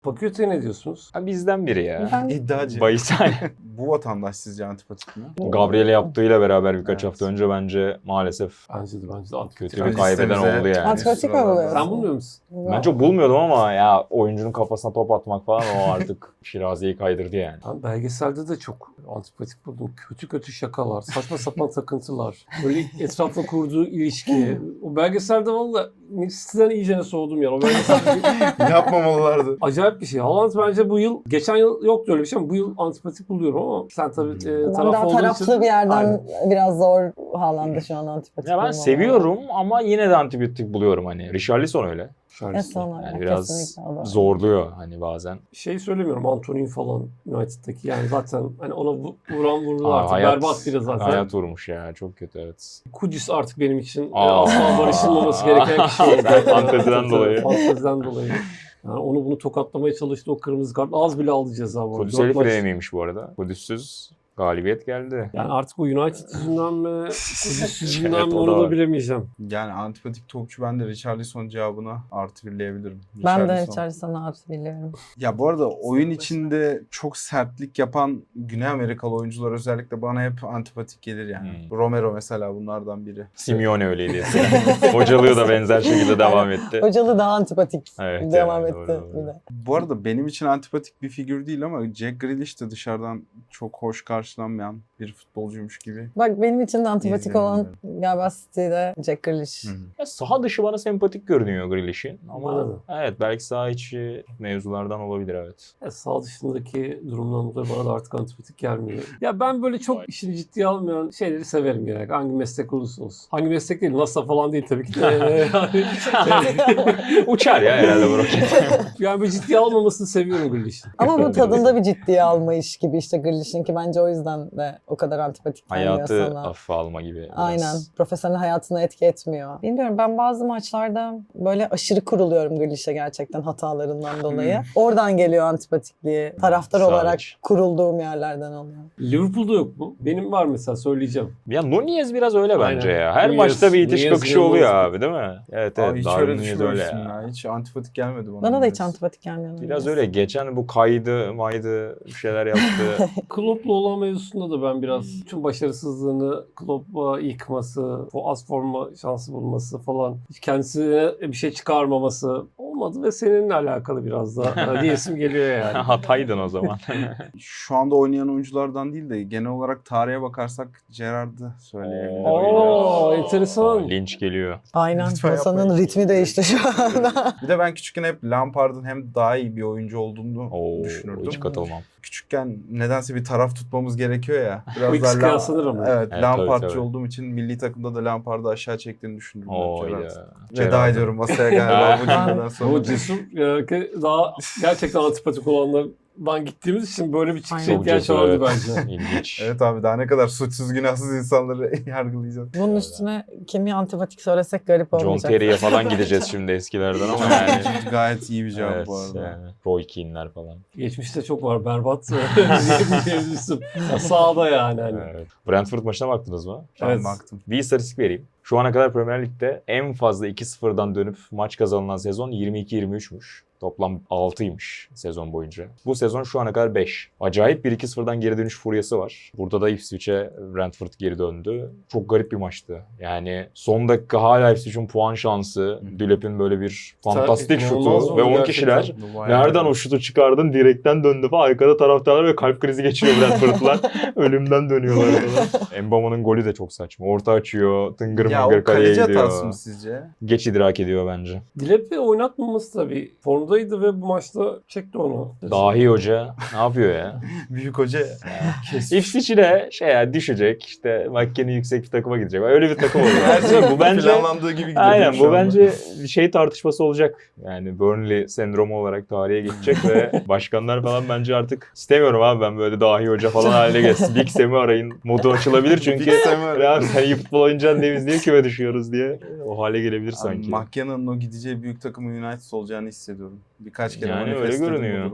Fakülteye ne diyorsunuz? Ha, bizden biri ya. Ben İddiacı. Bayisay. Bu vatandaş sizce antipatik mi? Gabriel'e yaptığıyla beraber birkaç Evet. hafta önce bence maalesef Bence de antipatik. kötü Yani bir kaybeden listemize- oldu yani. Antipatik mi buluyorsun? Sen bulmuyor musun? Ben çok bulmuyordum ama ya oyuncunun kafasına top atmak falan o artık Şirazi'yi kaydırdı yani. Ben belgeselde de çok antipatik buldum. Kötü kötü şakalar, saçma sapan takıntılar, böyle etrafla kurduğu ilişki. O belgeselde valla sizden iyicene soğudum ya. O belgeselde Yapmamalılardı. acayip bir şey. Haaland bence bu yıl, geçen yıl yoktu öyle bir şey ama bu yıl antipatik buluyorum ama sen tabii Ben taraf daha olduğun taraflı için. bir yerden Aynen. biraz zor Haaland'ı şu an antipatik Ya ben bulmam. seviyorum ama yine de antibiyotik buluyorum hani. Richarlison öyle. Şarjı. Yani biraz kesinlikle o da. zorluyor hani bazen. Şey söylemiyorum Anthony falan United'daki yani zaten hani ona vuran vurdu Aa, artık berbat biri zaten. Hayat vurmuş ya çok kötü evet. Kudüs artık benim için Aa. asla barışılmaması gereken kişi oldu. Fanteziden dolayı. Fanteziden dolayı. Yani onu bunu tokatlamaya çalıştı o kırmızı kart. Az bile aldı ceza bu arada. Kudüs Dört Elif maç- miymiş bu arada? Kudüs'süz galibiyet geldi. Yani artık o United yüzünden mi, Kudüs yüzünden Evet, mi o da onu da var. bilemeyeceğim. Yani antipatik topçu ben de Richarlison cevabına artı birleyebilirim. Ben de Richarlison. Richarlison'u artı biliyorum. Ya bu arada oyun içinde çok sertlik yapan Güney Amerikalı oyuncular özellikle bana hep antipatik gelir yani. Romero mesela bunlardan biri. Simeone öyleydi eskiden. Hocalığı da benzer şekilde devam etti. Hocalı daha antipatik Evet, devam evet, etti doğru. bir de. Bu arada benim için antipatik bir figür değil ama Jack Grealish de dışarıdan çok hoş karşılanmayan bir futbolcuymuş gibi. Bak benim için de antipatik İzleyelim olan galiba City'de Jack Grealish. Ya saha dışı bana sempatik görünüyor Grealish'in ama Bana da. evet belki saha içi mevzulardan olabilir evet. Sağ dışındaki durumdan dolayı bana da artık antipatik gelmiyor. Ya ben böyle çok işini ciddiye almayan şeyleri severim genelde. Hangi meslek olursa olsun. Hangi meslek değil, NASA falan değil tabii ki de. Uçar ya herhalde bu roket. Yani böyle ciddiye almamasını seviyorum Grealish'in. Ama bu tadında bir ciddiye alma iş gibi işte Grealish'in ki bence o yüzden de o kadar antipatik gelmiyor Hayatı sana. hafife alma gibi. biraz. Aynen. Profesyonel hayatına etki etmiyor. Bilmiyorum ben bazı maçlarda böyle aşırı kuruluyorum Grealish'e gerçekten hatalarından dolayı. Oradan geliyor antipatikliği. Taraftar Sağ olarak iç. kurulduğum yerlerden oluyor. Liverpool'da yok mu? Benim var mesela söyleyeceğim. Ya Nunez biraz öyle bence Aynen. ya. Her Nunez- maçta bir itiş Nunez kakışı oluyor inanılmaz. abi değil mi? Evet Abi evet. hiç Darwin öyle Nunez düşünmemiştim öyle ya. ya. Hiç antipatik gelmedi bana. Bana da hiç Nunez. antipatik gelmiyor. Biraz Nunez. öyle. Geçen bu kaydı maydı bir şeyler yaptı. Klopp'la olan mevzusunda da ben biraz tüm başarısızlığını Klopp'a yıkması, o az forma şansı bulması falan, hiç kendisine bir şey çıkarmaması olmadı ve seninle alakalı biraz da diyesim geliyor yani. Hataydın o zaman. Şu anda oynayan oyunculardan değil de genel olarak tarihe bakarsak Gerrard'ı söyleyebilirim. Oo, enteresan. Linç geliyor. Aynen. Lütfen Masanın yapmayın. ritmi değişti şu anda. Bir de ben küçükken hep Lampard'ın hem daha iyi bir oyuncu olduğunu Oo, düşünürdüm. hiç katılmam. Küçükken nedense bir taraf tutmamız gerekiyor ya. Bu ikisi kıyaslanır ama. Evet, Evet, Lampardçı tabii, tabii. olduğum için milli takımda da Lampard'ı aşağı çektiğini düşündüm. Oo Gerrard. ya. Veda Gerrard. ediyorum masaya galiba bu cümleden sonra. O cesur daha gerçekten antipatik olanlardan gittiğimiz için böyle bir çıkışa Aynen. Çok ihtiyaç cesur, vardı evet. bence. İlginç. Evet abi daha ne kadar suçsuz günahsız insanları yargılayacağız. Bunun üstüne kimi antipatik söylesek garip John olmayacak. Terry'e falan gideceğiz şimdi eskilerden ama yani. Gayet iyi bir cevap Evet bu arada. yani. Roy Keane'ler falan. Geçmişte çok var berbat mevzusu. Sağda yani. Hani. Evet. Brentford maçına baktınız mı? Ben Evet. baktım. Bir istatistik vereyim. Şu ana kadar Premier Lig'de en fazla 2-0'dan dönüp maç kazanılan sezon 22-23'müş. Toplam 6'ymış sezon boyunca. Bu sezon şu ana kadar 5. Acayip bir 2-0'dan geri dönüş furyası var. Burada da Ipswich'e Brentford geri döndü. Çok garip bir maçtı. Yani son dakika hala Ipswich'in puan şansı. Dülep'in böyle bir fantastik İnanılmaz şutu oldu ve 10 gerçekten. kişiler. Bu bayağı- Nereden o şutu çıkardın? Direkten döndü falan. Arkada taraftarlar ve kalp krizi geçiriyor Brentford'lar. Ölümden dönüyorlar falan. Mbama'nın golü de çok saçma. Orta açıyor. Tıngır Ya mıngır o kaleye kaleci hatası gidiyor. mı sizce? Geç idrak ediyor bence. Dilep'i oynatmaması tabii. Formdaydı ve bu maçta çekti onu. Dahi hoca ne yapıyor ya? Büyük hoca Ipswich'i de düşecek. İşte Makkeni yüksek bir takıma gidecek. Öyle bir takım olacak. her şey bu bence planlandığı gibi gidiyor. aynen şu bu anda. bence şey tartışması olacak. Yani Burnley sendromu olarak tarihe geçecek ve başkanlar falan bence artık istemiyorum abi ben böyle dahi hoca falan haline gelsin. Big Sam'i arayın. Modu açılabilir çünkü Big Sam'i arayın. ya sen iyi futbol oynayacaksın diye biz niye küme düşüyoruz diye o hale gelebilir sanki. McKenna'nın o gideceği büyük takımın United olacağını hissediyorum. Birkaç kere Yani öyle manifestledim bu görünüyor. durumu.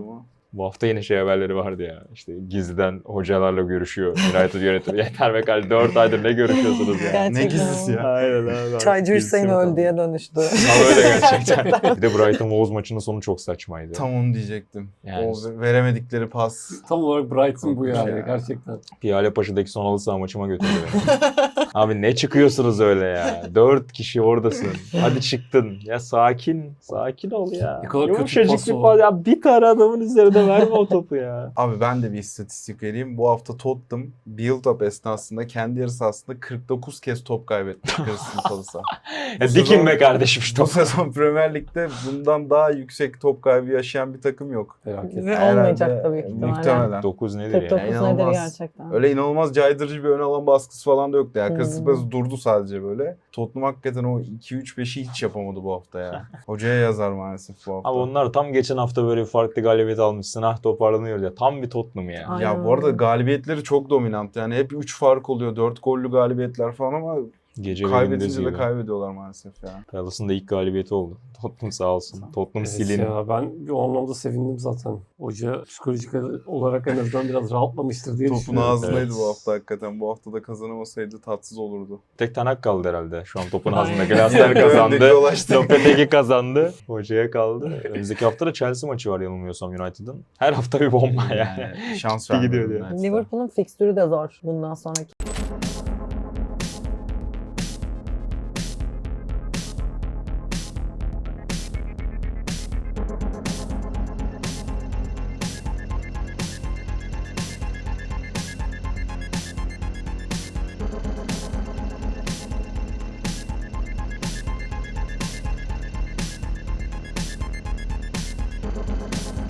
Bu hafta yine şey haberleri vardı ya. İşte gizliden hocalarla görüşüyor United yönetimi. Yeter be kardeşim 4 aydır ne görüşüyorsunuz ya? Gerçekten. Ne gizlisi ya? Aynen abi. Çaycı Hüseyin öldüye dönüştü. Tam öyle gerçekten. Bir de Brighton Wolves maçının sonu çok saçmaydı. Tam onu diyecektim. Yani- O veremedikleri pas. Tam olarak Brighton bu yani Ya. gerçekten. Piyale Paşa'daki son halı saha maçıma götürdü beni. Abi ne çıkıyorsunuz öyle ya? 4 kişi oradasın. Hadi çıktın. Ya sakin. Sakin ol ya. Ne kadar kötü Yumuşacık pas bir o. pas. Ya bir tane adamın üzerine verme o topu ya. Abi ben de bir istatistik vereyim. Bu hafta Tottenham build-up esnasında kendi yarı sahasında 49 kez top kaybetmiş Crystal Palace'a. Ya dikin be kardeşim şu Bu topu. sezon Premier Lig'de bundan daha yüksek top kaybı yaşayan bir takım yok. Felaket. Ve Herhalde, olmayacak da büyük ihtimalle. Muhtemelen. 9 nedir 49 ya? nedir İnanılmaz. gerçekten? Öyle inanılmaz caydırıcı bir ön alan baskısı falan da yoktu. Yani Crystal Hmm. Palace durdu sadece böyle. Tottenham hakikaten o 2-3-5'i hiç yapamadı bu hafta ya. Hocaya yazar maalesef bu hafta. Abi onlar tam geçen hafta böyle bir farklı galibiyet almışsın. Ah toparlanıyor ya. Tam bir Tottenham ya. Aynen Ya bu arada öyle. galibiyetleri çok dominant. Yani hep 3 fark oluyor. 4 gollü galibiyetler falan ama Gece ve gündüz kaybedince de gibi. kaybediyorlar maalesef ya. Palace'ın da ilk galibiyeti oldu. Tottenham sağ olsun. Tottenham Evet silin. ya, ben o anlamda sevindim zaten. Hoca psikolojik olarak en azından biraz rahatlamıştır diye Topun düşünüyorum. ağzındaydı Evet. bu hafta hakikaten. Bu hafta da kazanamasaydı tatsız olurdu. Tek Tanak kaldı herhalde. Şu an topun Aynen. ağzında. Glasner Öndeki kazandı. dolaştı. Lopetegi kazandı. Hocaya kaldı. Önümüzdeki hafta da Chelsea maçı var yanılmıyorsam United'ın. Her hafta bir bomba yani. Şans Gidiyor vermiyorum diyor. United'a. Liverpool'un fikstürü de zor bundan sonraki.